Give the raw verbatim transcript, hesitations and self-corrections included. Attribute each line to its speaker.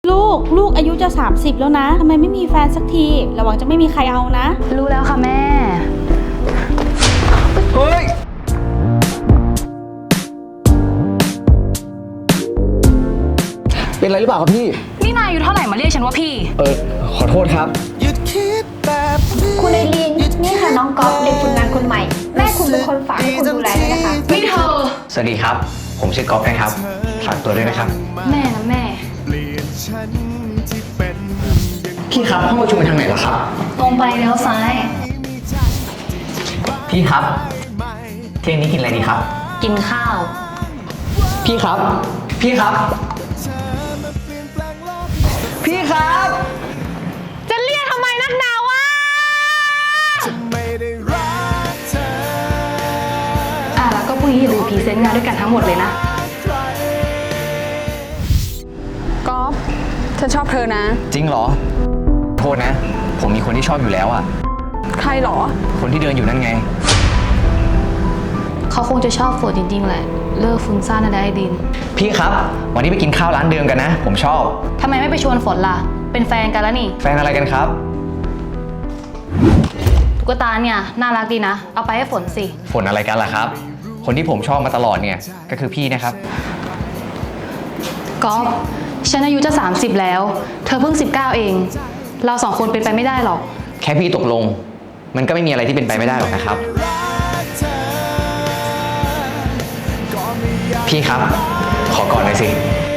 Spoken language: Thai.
Speaker 1: ลูกลูกอายุจะสามสิบแล้วนะทำไมไม่มีแฟนสักทีระวังจะไม่มีใครเอานะ
Speaker 2: รู้แล้วค่ะแม่
Speaker 3: เฮ้ยเป็นอะไรหรือเปล่าครับพี่
Speaker 2: นี่นายอายุเท่าไหร่มาเรียกฉันว่าพี่
Speaker 3: เออขอโทษครับ
Speaker 4: คุณไอรีนนี่ค่ะน้องก๊อฟเด็กฝึกงานคนใหม่แม่คุณเป็นคนฝากให้คุณดูแลเลยนะคะ
Speaker 2: นี่เธอ
Speaker 3: สวัสดีครับผมชื่อก๊อฟนะครับฝากตัวด้วยนะครับ
Speaker 2: แม่นะแม่
Speaker 3: พี่ครับห้องประชุมไปทางไหนล่ะครับ
Speaker 2: ตรงไปแล้วซ้าย
Speaker 3: พี่ครับเที่ยงนี้กินอะไรดีครับ
Speaker 2: กินข้าว
Speaker 3: พี่ครับพี่ครับพี่ครับ
Speaker 2: จะเรียกทำไมนักหนาวะอ่ะแล้วก็พรุ่งนี้อย่าลืมพรีเซนต์งานด้วยกันทั้งหมดเลยนะ
Speaker 5: ก๊อฟฉันชอบเธอนะ
Speaker 3: จริงเหรอโทษนะผมมีคนที่ชอบอยู่แล้วอ่ะ
Speaker 5: ใครหรอ
Speaker 3: คนที่เดินอยู่นั่นไง
Speaker 2: เขาคงจะชอบฝนจริงๆแหละเลิกฟุ้งซ่านนะได้ดิน
Speaker 3: พี่ครับวันนี้ไปกินข้าวร้านเดิมกันนะผมชอบ
Speaker 2: ทำไมไม่ไปชวนฝนล่ะเป็นแฟนกันแล้วนี่
Speaker 3: แฟนอะไรกันครับ
Speaker 2: ตุ๊กตาเนี่ยน่ารักดีนะเอาไปให้ฝนสิ
Speaker 3: ฝนอะไรกันล่ะครับคนที่ผมชอบมาตลอดเนี่ยก็คือพี่นะครับ
Speaker 2: ก๊อฟฉันอายุจะสามสิบแล้วเธอเพิ่งสิบเก้าเองเราสองคนเป็นไปไม่ได้หรอก
Speaker 3: แค่พี่ตกลงมันก็ไม่มีอะไรที่เป็นไปไม่ได้หรอกนะครับพี่ครับขอกอดหน่อยสิ